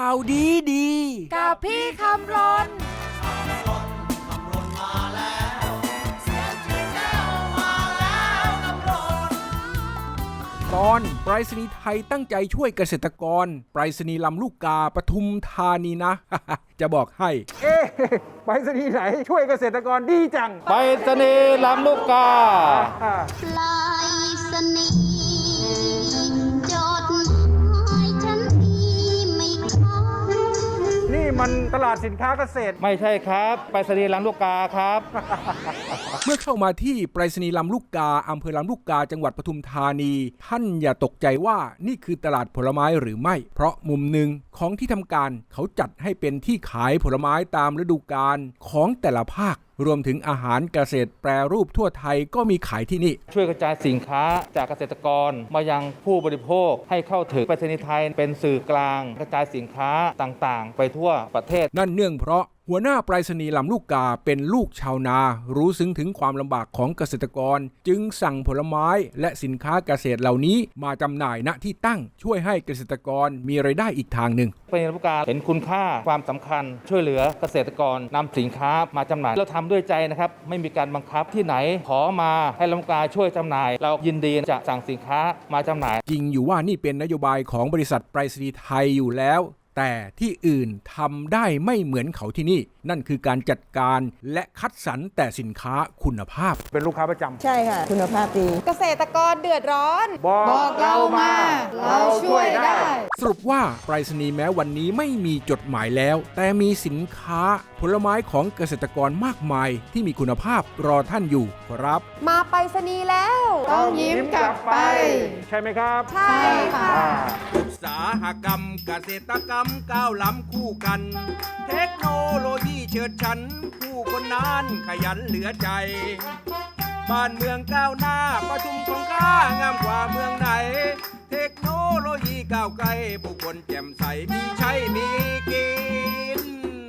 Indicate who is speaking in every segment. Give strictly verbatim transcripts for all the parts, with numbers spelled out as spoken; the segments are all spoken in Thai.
Speaker 1: าวดีดี
Speaker 2: กับพี่คำรน
Speaker 1: ตอนไปรษณีย์ไทยตั้งใจช่วยเกษตรกรไปรษณีย์ลำลูกกาปทุมธานีนะ จะบอกให้เอ๊ะไปรษณีย์ไหนช่วยเกษตรกรดีจัง
Speaker 3: ไปรษณีย์ลำลูกกา
Speaker 4: ไปรษณีย์จดหมายฉันมีไม่ค้าง
Speaker 5: นี่มันตลาดสินค้าเกษตร
Speaker 3: ไม่ใช่ครับไปรษณีย์ลำลูกกาครับ
Speaker 1: เมื่อเข้ามาที่ไปรษณีย์ลำลูกกาอำเภอลำลูกกาจังหวัดปทุมธานีท่านอย่าตกใจว่านี่คือตลาดผลไม้หรือไม่เพราะมุมหนึ่งของที่ทำการเขาจัดให้เป็นที่ขายผลไม้ตามฤดูกาลของแต่ละภาครวมถึงอาหารเกษตรแปรรูปทั่วไทยก็มีขายที่นี่
Speaker 3: ช่วยกระจายสินค้าจากเกษตรกรมายังผู้บริโภคให้เข้าถึงไปรษณีย์ไทยเป็นสื่อกลางกระจายสินค้าต่างๆไปทั่วประเทศ
Speaker 1: นั่นเนื่องเพราะหัวหน้าไปรษณีย์ลำลูกกาเป็นลูกชาวนารู้ซึ้งถึงความลำบากของเกษตรกรจึงสั่งผลไม้และสินค้าเกษตรเหล่านี้มาจำหน่ายณที่ตั้งช่วยให้เกษตรกรมีรายได้อีกทางหนึ่ง
Speaker 3: ไปรษณีย์ลำลูกกาเห็นคุณค่าความสำคัญช่วยเหลือเกษตรกรนำสินค้ามาจำหน่ายเราทำด้วยใจนะครับไม่มีการบังคับที่ไหนขอมาให้ลำลูกกาช่วยจำหน่ายเรายินดีจะสั่งสินค้ามาจำหน่าย
Speaker 1: จริงอยู่ว่านี่เป็นนโยบายของบริษัทไปรษณีย์ไทยอยู่แล้วแต่ที่อื่นทำได้ไม่เหมือนเขาที่นี่นั่นคือการจัดการและคัดสรรแต่สินค้าคุณภาพ
Speaker 5: เป็นลูกค้าประจำ
Speaker 2: ใช่ค่ะคุณภาพดีเกษตรกรเดือดร้อน
Speaker 5: บอกเรามาเราช่วยได้
Speaker 1: สรุปว่าไปรษณีย์แม้วันนี้ไม่มีจดหมายแล้วแต่มีสินค้าผลไม้ของเกษตรกรมากมายที่มีคุณภาพรอท่านอยู่ครับ
Speaker 2: มาไปรษณีย์แล้วต้องยิ้มกลับไป
Speaker 5: ใช่ไหมครับ
Speaker 2: ใช่ค่ะ
Speaker 1: อุตสาหกรรมเกษตรกรรมก้าวล้ำคู่กันเทคโนโลยีเฉิดฉันผู้คนนั้นขยันเหลือใจบ้านเมืองก้าวหน้าปทุมของข้างามกว่าเมืองไหนเทคโนโลยีก้าวไกลผู้คนแจ่มใสมีใช้มีกิน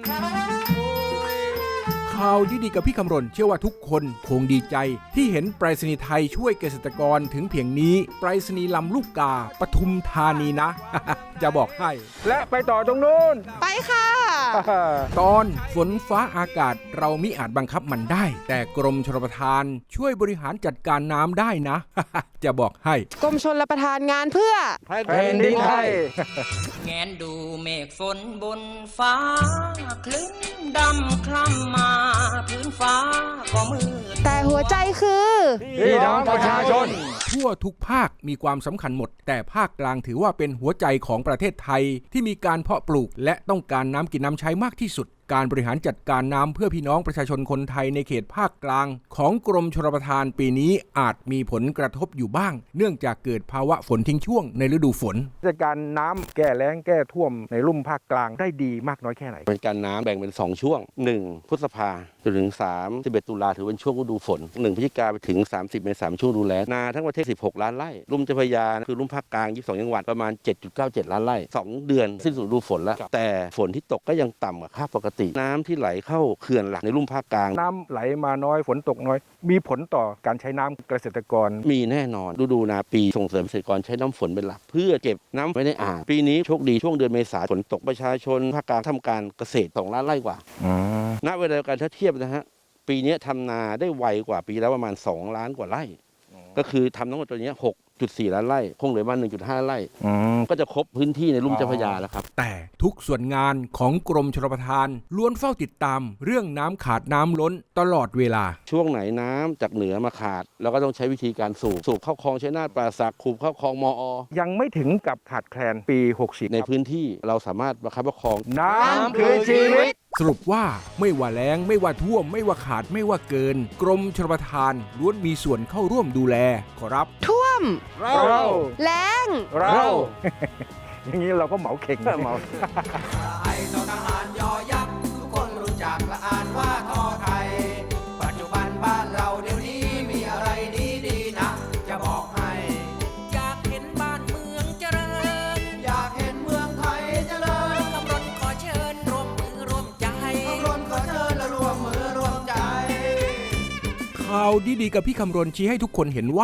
Speaker 1: ข่าวดีๆกับพี่คำรณเชื่อว่าทุกคนคงดีใจที่เห็นไปรษณีย์ไทยช่วยเกษตรกรถึงเพียงนี้ไปรษณีย์ลำลูกกาปทุมธานีนะ จะบอกให้
Speaker 5: และไปต่อตรงนู้น
Speaker 2: ไปค่ะ
Speaker 1: ตอนฝนฟ้าอากาศเรามิอาจบังคับมันได้แต่กรมชลประทานช่วยบริหารจัดการน้ำได้นะ จะบอกให้
Speaker 2: กรมชลประทานงานเพื่อ
Speaker 5: แผ่นดินไทย
Speaker 6: แงนดูเมฆฝนบนฟ้าคลึ้นดำคล้ำมาพื้นฟ้าก็มืด
Speaker 2: แต่หัวใจคือ
Speaker 5: พี่น้องประชาชน
Speaker 1: ทั่วทุกภาคมีความสำคัญหมดแต่ภาคกลางถือว่าเป็นหัวใจของประเทศไทยที่มีการเพาะปลูกและต้องการน้ำกินน้ำใช้มากที่สุดการบริหารจัดการน้ำเพื่อพี่น้องประชาชนคนไทยในเขตภาคกลางของกรมชลประทานปีนี้อาจมีผลกระทบอยู่บ้างเนื่องจากเกิดภาวะฝนทิ้งช่วงในฤดูฝน
Speaker 5: จัดการน้ำแก้แล้งแก้ท่วมในลุ่มภาคกลางได้ดีมากน้อยแค่ไหน
Speaker 7: เป็นการน้ำแบ่งเป็นสองช่วงหนึ่งพฤษภาจนถึงสามสิบเอ็ดตุลาถือเป็นช่วงฤดูฝนหนึ่งพฤศจิกาไปถึงสามสิบเมษายนช่วงฤดูแล้งนาทั้งประเทศสิบหกล้านไร่ลุ่มเจ้าพระยาคือลุ่มภาคกลางยี่สิบสองจังหวัดประมาณ เจ็ดจุดเก้าเจ็ด ล้านไร่สองเดือนสิ้นสุดฤดูฝนแล้วแต่ฝนที่ตกก็ยังต่ำกว่าค่าปกติน้ำที่ไหลเข้าเขื่อนหลักในลุ่มภาคกลาง
Speaker 5: น้ำไหลมาน้อยฝนตกน้อยมีผลต่อการใช้น้ำเกษตรกร
Speaker 7: มีแน่นอนฤดูนาปีส่งเสริมเกษตรกรใช้น้ำฝนเป็นหลักเพื่อเก็บน้ำไว้ในอ่างปีนี้โชคดีช่วงเดือนเมษายนฝนตกประชาชนภาคกลางทำการเกษตรสองล้านไร่กว่าณเวลาเดียวกันถ้าเทียบนะฮะปีนี้ทำนาได้ไวกว่าปีแล้วประมาณสองล้านกว่าไร่ก็คือทำทั้งหมดตัวนี้หกจุดสี่ ล้านไร่คงเหลือมา หนึ่งจุดห้า ไร่ก็จะครบพื้นที่ในลุ่มเจ้าพระยาแล้วครับ
Speaker 1: แต่ทุกส่วนงานของกรมชลประทานล้วนเฝ้าติดตามเรื่องน้ำขาดน้ำล้นตลอดเวลา
Speaker 7: ช่วงไหนน้ำจากเหนือมาขาดเราก็ต้องใช้วิธีการสูบสูบเข้าคลองชัยนาทป่าสักคูเข้าคลองมอ
Speaker 5: ยังไม่ถึงกับขาดแคลนปีหกสิบ
Speaker 7: ในพื้นที่เราสามารถประคับประคอง
Speaker 5: น้ำคือชีวิต
Speaker 1: สรุปว่าไม่ว่าแล้งไม่ว่าท่วมไม่ว่าขาดไม่ว่าเกินกรมชลประทานล้วนมีส่วนเข้าร่วมดูแลขอรับ
Speaker 2: ท่วม
Speaker 5: เรา
Speaker 2: แล้ง
Speaker 5: เราอย่างนี้เราก็เหมาเข่งเหมา
Speaker 8: ไทยทหารยอยักษ์ทุกคนรู้จักและอ่านว่าทอไทยปัจจุบันบ้านเราเดี๋ยวนี้มีอะไรดีๆนะจะบอกให้อยากเห็นบ้านเมืองเจริญอยากเห็นเมืองไทยเจริญคำรณขอเชิญร่วมมือร่วมใจคำรณขอเชิญและร่วมมือร่วมใจ
Speaker 1: ข่าวดีๆกับพี่คำรณชี้ให้ทุกคนเห็นว่า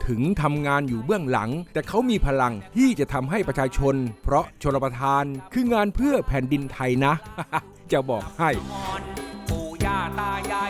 Speaker 1: ถึงทำงานอยู่เบื้องหลัง แต่เขามีพลังที่จะทำให้ประชาชน เพราะชลประทานคืองานเพื่อแผ่นดินไทยนะ จะบอกให้
Speaker 8: ปู่ย่าตายาย